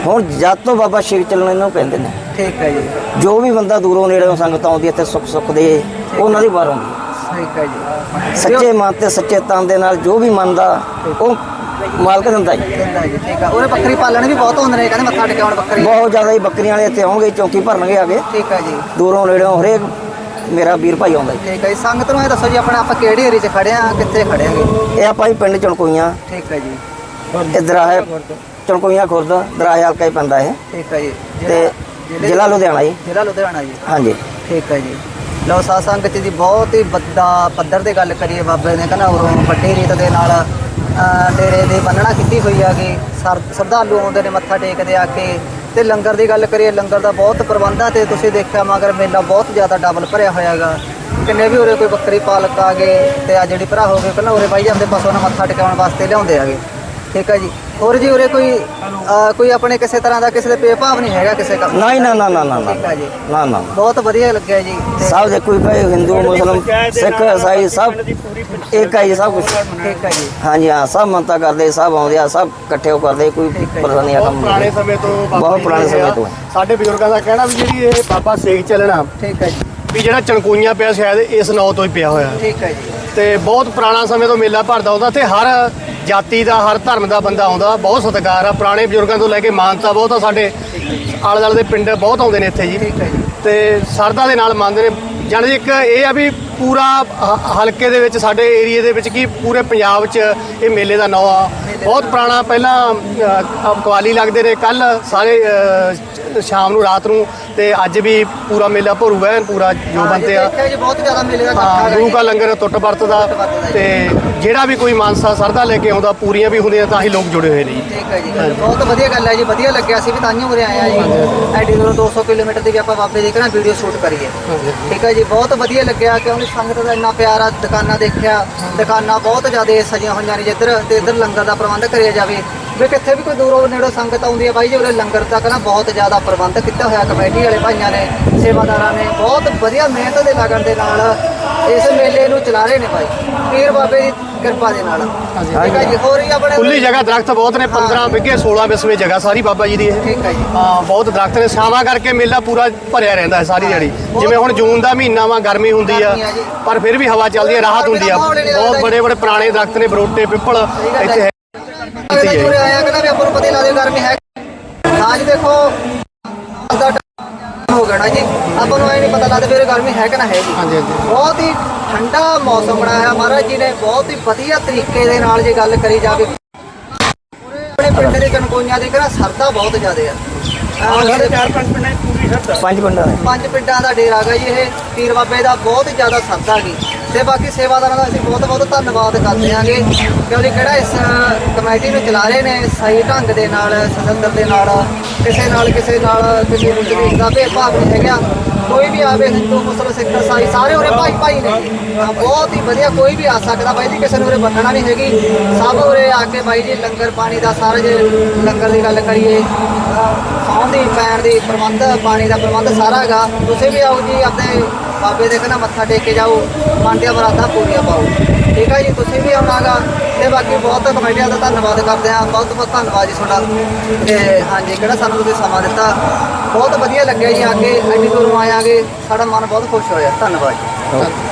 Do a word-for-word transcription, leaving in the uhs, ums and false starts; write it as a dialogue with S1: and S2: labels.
S1: ਹੁਣ ਜਦ ਤੋਂ ਬਾਬਾ ਸ਼ੇਖ ਚੱਲਣ ਇਹਨੂੰ ਕਹਿੰਦੇ ਨੇ।
S2: ਠੀਕ ਹੈ ਜੀ।
S1: ਜੋ ਵੀ ਬੰਦਾ ਦੂਰੋਂ ਨੇੜਿਓਂ ਸੰਗਤ ਆਉਂਦੀ ਇੱਥੇ ਸੁੱਖ ਸੁੱਖ ਦੇ ਉਹਨਾਂ ਦੀ ਵਾਰ ਆਉਂਦੀ ਹੈ।
S2: ਠੀਕ ਹੈ ਜੀ।
S1: ਸੱਚੇ ਮਨ ਤੇ ਸੱਚੇ ਤਨ ਦੇ ਨਾਲ ਜੋ ਵੀ ਮੰਨਦਾ ਉਹ ਮਾਲਕ ਦਿੰਦਾ ਜੀ।
S2: ਦਿੰਦਾ ਜੀ। ਠੀਕ ਆ। ਉਹਨੇ ਬੱਕਰੀ ਪਾਲਣ ਵੀ ਬਹੁਤ ਹੁੰਦੇ ਨੇ, ਕਹਿੰਦੇ ਮੱਥਾ ਟੇਕਣ ਬੱਕਰੀ
S1: ਬਹੁਤ ਜ਼ਿਆਦਾ ਹੀ ਬੱਕਰੀਆਂ ਵਾਲੇ ਇੱਥੇ ਆਉਣਗੇ, ਚੌਂਕੀ ਭਰਨਗੇ ਆਗੇ।
S2: ਠੀਕ ਹੈ ਜੀ।
S1: ਦੂਰੋਂ ਨੇੜਿਓਂ ਹਰੇਕ ਮੇਰਾ ਵੀਰ ਭਾਈ ਆਉਂਦਾ ਜੀ।
S2: ਠੀਕ ਹੈ ਜੀ। ਸੰਗਤ ਨੂੰ ਇਹ ਦੱਸੋ ਜੀ ਆਪਣਾ ਆਪਾਂ ਕਿਹੜੇ ਏਰੀਏ 'ਚ ਖੜੇ ਆ, ਕਿੱਥੇ ਖੜੇ ਆਂਗੇ?
S1: ਇਹ ਆਪਾਂ ਜੀ ਪਿੰਡ ਚਣਕੋਈਆਂ।
S2: ਠੀਕ ਹੈ ਜੀ।
S1: ਇਹ ਦਰਾਹੇ ਚਣਕੋਈਆਂ ਖੁਰਦ ਦਰਾਹੇ ਹਲਕਾ ਹੀ ਪੈਂਦਾ ਇਹ।
S2: ਠੀਕ ਹੈ ਜੀ।
S1: ਤੇ ਜ਼ਿਲ੍ਹਾ ਲੁਧਿਆਣਾ ਜੀ।
S2: ਜ਼ਿਲ੍ਹਾ ਲੁਧਿਆਣਾ ਜੀ।
S1: ਹਾਂਜੀ।
S2: ਠੀਕ ਹੈ ਜੀ। ਲਓ ਸਾਧ ਸੰਗਤ ਜੀ, ਬਹੁਤ ਹੀ ਵੱਡਾ ਪੱਧਰ ਤੇ ਗੱਲ ਕਰੀਏ ਬਾਬੇ ਨੇ ਕਹਿੰਦਾ ਉਰੋਂ ਵੱਡੀ ਰੀਤ ਦੇ ਨਾਲ ਡੇਰੇ ਦੀ ਬੰਨਣਾ ਕੀਤੀ ਹੋਈ ਹੈਗੀ। ਸਰ ਸ਼ਰਧਾਲੂ ਆਉਂਦੇ ਨੇ ਮੱਥਾ ਟੇਕਦੇ ਆ ਕੇ। ਤੇ ਲੰਗਰ ਦੀ ਗੱਲ ਕਰੀਏ, ਲੰਗਰ ਦਾ ਬਹੁਤ ਪ੍ਰਬੰਧ ਆ ਤੇ ਤੁਸੀਂ ਦੇਖਿਆ ਮਗਰ ਮੇਲਾ ਬਹੁਤ ਜ਼ਿਆਦਾ ਡਬਲ ਭਰਿਆ ਹੋਇਆ ਹੈਗਾ। ਕਿੰਨੇ ਵੀ ਉਰੇ ਕੋਈ ਬੱਕਰੀ ਪਾਲਕ ਆ ਗਏ ਤੇ ਆ ਜਿਹੜੀ ਭਰਾ ਹੋ ਗਏ ਪਹਿਲਾਂ ਉਰੇ ਬਾਈ ਜਾਂਦੇ ਪਸ਼ੂਆਂ ਨੂੰ ਮੱਥਾ ਟਿਕਾਉਣ ਵਾਸਤੇ ਲਿਆਉਂਦੇ ਹੈਗੇ। ਠੀਕ ਹੈ ਜੀ। ਹੋਰ ਜੀ ਉਰੇ ਕੋਈ ਕੋਈ ਆਪਣੇ ਕਿਸੇ ਤਰ੍ਹਾਂ ਦਾ ਕਿਸੇ ਦੇ ਭੇਦਭਾਵ ਨਹੀਂ ਹੈਗਾ ਕਿਸੇ ਕੰਮ?
S1: ਨਹੀਂ ਨਾ ਨਾ ਨਾ ਨਾ
S2: ਠੀਕ ਹੈ ਜੀ।
S1: ਨਾ ਨਾ
S2: ਬਹੁਤ ਵਧੀਆ ਲੱਗਿਆ ਜੀ।
S1: ਸਭ ਦੇ ਕੋਈ ਭਾਈ ਹਿੰਦੂ ਮੁਸਲਮ ਸਿੱਖ ਈਸਾਈ ਸਭ ਇੱਕ ਹੈ ਜੀ, ਸਭ ਕੁਛ।
S2: ਠੀਕ ਹੈ ਜੀ।
S1: ਹਾਂਜੀ ਹਾਂ, ਸਭ ਮੰਨਤਾ ਕਰਦੇ, ਸਭ ਆਉਂਦੇ ਆ, ਸਭ ਇਕੱਠੇ ਹੋ ਕਰਦੇ, ਕੋਈ ਪਰੇਸ਼ਾਨੀ ਆ ਕੰਮ ਨਹੀਂ।
S3: ਪੁਰਾਣੇ ਸਮੇਂ ਤੋਂ
S1: ਬਹੁਤ ਪੁਰਾਣੇ ਸਮੇਂ ਤੋਂ
S3: ਸਾਡੇ ਬਜ਼ੁਰਗਾਂ ਦਾ ਕਹਿਣਾ ਵੀ ਜਿਹੜੀ ਇਹ ਬਾਬਾ ਸੇਖ ਚੱਲਣਾ
S2: ਠੀਕ ਹੈ ਜੀ।
S3: ਵੀ ਜਿਹੜਾ ਚਣਕੋਈਆਂ ਪਿਆ ਸ਼ਾਇਦ ਇਸ ਨਾਂ ਤੋਂ ਹੀ ਪਿਆ ਹੋਇਆ।
S2: ਠੀਕ ਹੈ ਜੀ।
S3: ਤੇ ਬਹੁਤ ਪੁਰਾਣਾ ਸਮੇਂ ਤੋਂ ਮੇਲਾ ਭਰਦਾ ਹੁੰਦਾ ਤੇ ਹਰ ਜਾਤੀ ਦਾ ਹਰ ਧਰਮ ਦਾ ਬੰਦਾ ਆਉਂਦਾ। ਬਹੁਤ ਸਤਿਕਾਰ ਆ ਪੁਰਾਣੇ ਬਜ਼ੁਰਗਾਂ ਤੋਂ ਲੈ ਕੇ, ਮਾਨਤਾ ਬਹੁਤ ਆ। ਸਾਡੇ ਆਲੇ ਦੁਆਲੇ ਦੇ ਪਿੰਡ ਬਹੁਤ ਆਉਂਦੇ ਨੇ ਇੱਥੇ ਜੀ।
S2: ਠੀਕ ਹੈ ਜੀ।
S3: ਤੇ ਸਰਦਾ ਦੇ ਨਾਲ ਮੰਨਦੇ ਨੇ। ਜਾਣੀ ਇੱਕ ਇਹ ਆ ਵੀ ਪੂਰਾ ਹ- ਹਲਕੇ ਦੇ ਵਿੱਚ ਸਾਡੇ ਏਰੀਏ ਦੇ ਵਿੱਚ ਕੀ ਪੂਰੇ ਪੰਜਾਬ 'ਚ ਇਹ ਮੇਲੇ ਦਾ ਨਾਂ ਆ। ਬਹੁਤ ਪੁਰਾਣਾ ਪਹਿਲਾਂ ਅ, ਕਵਾਲੀ ਲੱਗਦੇ ਨੇ ਕੱਲ ਸਾਰੇ ਅ, ਸ਼ਾਮ ਨੂੰ ਰਾਤ ਨੂੰ ਤੇ ਅੱਜ ਵੀ ਪੂਰਾ ਮੇਲਾ ਭਰੂ ਐਨ ਪੂਰਾ ਜੋ ਬੰਦੇ ਆ।
S2: ਦੇਖਿਆ ਜੀ ਬਹੁਤ ਜ਼ਿਆਦਾ ਮੇਲੇ ਦਾ
S3: ਹਾਂ,
S2: ਇਕੱਠਾ
S3: ਗੁਰੂ ਕਾ ਲੰਗਰ ਟੁੱਟ ਵਰਤਦਾ ਤੇ ਜਿਹੜਾ ਵੀ ਕੋਈ ਮਾਨਸਾ ਸਰਦਾ ਲੈ ਕੇ ਆਉਂਦਾ ਪੂਰੀਆਂ ਵੀ ਹੁੰਦੀਆਂ ਤਾਂ ਹੀ ਲੋਕ ਜੁੜੇ ਹੋਏ ਨੇ ਜੀ।
S2: ਠੀਕ ਹੈ ਜੀ। ਬਹੁਤ ਵਧੀਆ ਗੱਲ ਹੈ ਜੀ। ਵਧੀਆ ਲੱਗਿਆ ਸੀ ਵੀ ਤਾਂਹੀਓ ਉਰੇ ਆਏ ਆ ਜੀ। ਐਡੀ ਦੂਰੋਂ ਦੋ ਸੌ ਕਿਲੋਮੀਟਰ ਦੀ ਵੀ ਆਪਾਂ ਬਾਬੇ ਦੀ ਕਰਾਂ ਵੀਡੀਓ ਸ਼ੂਟ ਕਰੀਏ। ਠੀਕ ਹੈ ਜੀ। ਬਹੁਤ ਵਧੀਆ ਲੱਗਿਆ ਕਿਉਂਕਿ ਸੰਗਤ ਦਾ ਇੰਨਾ ਪਿਆਰ ਆ। ਦੁਕਾਨਾਂ ਦੇਖਿਆ, ਦੁਕਾਨਾਂ ਬਹੁਤ ਜ਼ਿਆਦਾ ਸਜੀਆਂ ਹੋਈਆਂ ਨੇ ਜਿੱਧਰ ਤੇ ਇੱਧਰ ਲੰਗਰ ਦਾ ਪ੍ਰਬੰਧ ਕਰਿਆ ਜਾਵੇ ਵੀ ਕਿੱਥੇ ਵੀ ਕੋਈ ਦੂਰੋਂ ਨੇੜੋਂ ਸੰਗਤ ਆਉਂਦੀ ਹੈ ਬਾਈ ਜੀ ਉਰੇ ਲੰਗਰ ਦਾ ਕਹਿੰਦਾ ਬਹੁਤ ਜ਼ਿਆਦਾ ਪ੍ਰਬੰਧ ਕੀਤਾ ਹੋਇਆ ਕਮੇਟੀ ਵਾਲੇ ਭਾਈਆਂ ਨੇ, ਸੇਵਾਦਾਰਾਂ ਨੇ ਬਹੁਤ ਵਧੀਆ ਮਿਹਨਤ ਦੇ ਲਗਨ ਦੇ ਨਾਲ ਇਸ ਮੇਲੇ ਨੂੰ ਚਲਾ ਰਹੇ ਨੇ ਬਾਈ ਪੀਰ ਬਾਬੇ ਦੀ ਕਿਰਪਾ ਦੇ ਨਾਲ। ਠੀਕ ਹੈ ਜੀ। ਹੋਰ ਹੀ ਆਪਣੇ
S3: ਖੁੱਲੀ ਜਗ੍ਹਾ ਦਰਖਤ ਬਹੁਤ ਨੇ, ਪੰਦਰਾਂ ਵਿਗੇ ਸੋਲਾਂ ਵਿਸਵੇ ਜਗ੍ਹਾ ਸਾਰੀ ਬਾਬਾ ਜੀ ਦੀ ਇਹ।
S2: ਠੀਕ ਹੈ ਜੀ।
S3: ਹਾਂ, ਬਹੁਤ ਦਰਖਤ ਨੇ। ਛਾਵਾਂ ਕਰਕੇ ਮੇਲਾ ਪੂਰਾ ਭਰਿਆ ਰਹਿੰਦਾ ਹੈ ਸਾਰੀ ਦਿਹਾੜੀ। ਜਿਵੇਂ ਹੁਣ ਜੂਨ ਦਾ ਮਹੀਨਾ ਵਾ, ਗਰਮੀ ਹੁੰਦੀ ਆ ਪਰ ਫਿਰ ਵੀ ਹਵਾ ਚੱਲਦੀ ਹੈ, ਰਾਹਤ ਹੁੰਦੀ ਆ। ਬਹੁਤ ਬੜੇ ਬੜੇ ਪੁਰਾਣੇ ਦਰਖਤ ਨੇ, ਬਰੋਟੇ, ਪਿੱਪਲ ਇੱਥੇ ਹੈ।
S2: ਉਰੇ ਆਇਆ ਕਹਿੰਦਾ ਵੀ ਆਪਾਂ ਨੂੰ ਪਤਾ ਹੀ ਲਾ ਦੇ ਗਰਮੀ ਹੈ। ਹਾਂ ਜੀ ਦੇਖੋ ਦਾ ਟਾਈਮ ਹੋ ਗਿਆ ਨਾ ਜੀ, ਆਪਾਂ ਨੂੰ ਇਹ ਨਹੀਂ ਪਤਾ ਲੱਗਦਾ ਵੀ ਗਰਮੀ ਹੈ ਕਿ ਨਾ ਹੈਗੀ।
S3: ਹਾਂਜੀ ਹਾਂਜੀ।
S2: ਬਹੁਤ ਹੀ ਠੰਡਾ ਮੌਸਮ ਬਣਾਇਆ ਮਹਾਰਾਜ ਜੀ ਨੇ ਬਹੁਤ ਹੀ ਵਧੀਆ ਤਰੀਕੇ ਦੇ ਨਾਲ ਜੇ ਗੱਲ ਕਰੀ ਜਾਵੇ। ਆਪਣੇ ਪਿੰਡ ਦੇ ਚਣਕੋਈਆਂ ਦੇ ਘਰਾਂ ਸਰਦਾ ਬਹੁਤ ਜ਼ਿਆਦਾ ਆ।
S3: ਸਾਡੇ ਚਾਰ ਪੰਜ ਪਿੰਡਾਂ ਦੀ ਪੂਰੀ ਸ਼ਰਧਾ।
S1: ਪੰਜ ਪਿੰਡਾਂ ਦੇ
S2: ਪੰਜ ਪਿੰਡਾਂ ਦਾ ਡੇਰਾ ਗਾ ਜੀ ਇਹ ਪੀਰ ਬਾਬੇ ਦਾ ਬਹੁਤ ਹੀ ਜ਼ਿਆਦਾ ਸਰਦਾ ਗੀ। ਤੇ ਬਾਕੀ ਸੇਵਾਦਾਰਾਂ ਦਾ ਅਸੀਂ ਬਹੁਤ ਬਹੁਤ ਧੰਨਵਾਦ ਕਰਦੇ ਹਾਂਗੇ ਕਿਉਂਕਿ ਕਿਹੜਾ ਇਸ ਕਮੇਟੀ ਨੂੰ ਚਲਾ ਰਹੇ ਨੇ ਸਹੀ ਢੰਗ ਦੇ ਨਾਲ, ਸਤੰਦਰ ਦੇ ਨਾਲ, ਕਿਸੇ ਨਾਲ ਕਿਸੇ ਨਾਲ ਕਿਸੇ ਨੂੰ ਕਿਸੇ ਦਾ ਭੇਦਭਾਵ ਨਹੀਂ ਹੈਗਾ। ਕੋਈ ਵੀ ਆਵੇ, ਹਿੰਦੂ ਮੁਸਲਮਾਨ ਸਿੱਖ ਈਸਾਈ ਸਾਰੇ ਉਰੇ ਭਾਈ ਭਾਈ ਨੇ ਜੀ। ਹਾਂ, ਬਹੁਤ ਹੀ ਵਧੀਆ ਕੋਈ ਵੀ ਆ ਸਕਦਾ ਬਾਈ ਜੀ, ਕਿਸੇ ਨੂੰ ਉਰੇ ਬੰਨਣਾ ਨਹੀਂ ਹੈਗੀ। ਸਭ ਉਰੇ ਆ ਕੇ ਬਾਈ ਜੀ ਲੰਗਰ ਪਾਣੀ ਦਾ ਸਾਰਾ ਜੇ ਲੰਗਰ ਦੀ ਗੱਲ ਕਰੀਏ, ਸੌਣ ਦੀ ਪੈਣ ਦੀ ਪ੍ਰਬੰਧ, ਪਾਣੀ ਦਾ ਪ੍ਰਬੰਧ ਸਾਰਾ ਹੈਗਾ। ਤੁਸੀਂ ਵੀ ਆਓ ਜੀ ਆਪਣੇ ਬਾਬੇ ਦੇ ਕਹਿੰਦਾ ਮੱਥਾ ਟੇਕ ਕੇ ਜਾਓ, ਮਨ ਦੀਆਂ ਮੁਰਾਦਾਂ ਪੂਰੀਆਂ ਪਾਓ। ਠੀਕ ਹੈ ਜੀ। ਤੁਸੀਂ ਵੀ ਆਉਣਾਗਾ ਤੇ ਬਾਕੀ ਬਹੁਤ ਕਮੇਟੀਆਂ ਦਾ ਧੰਨਵਾਦ ਕਰਦੇ ਹਾਂ। ਬਹੁਤ ਬਹੁਤ ਧੰਨਵਾਦ ਜੀ ਤੁਹਾਡਾ। ਤੇ ਹਾਂਜੀ ਕਿਹੜਾ ਸਾਨੂੰ ਤੁਸੀਂ ਸਮਾਂ ਦਿੱਤਾ, ਬਹੁਤ ਵਧੀਆ ਲੱਗਿਆ ਜੀ। ਆ ਕੇ ਐਡੀ ਦੂਰੋਂ ਆਇਆਗੇ, ਸਾਡਾ ਮਨ ਬਹੁਤ ਖੁਸ਼ ਹੋਇਆ। ਧੰਨਵਾਦ ਜੀ।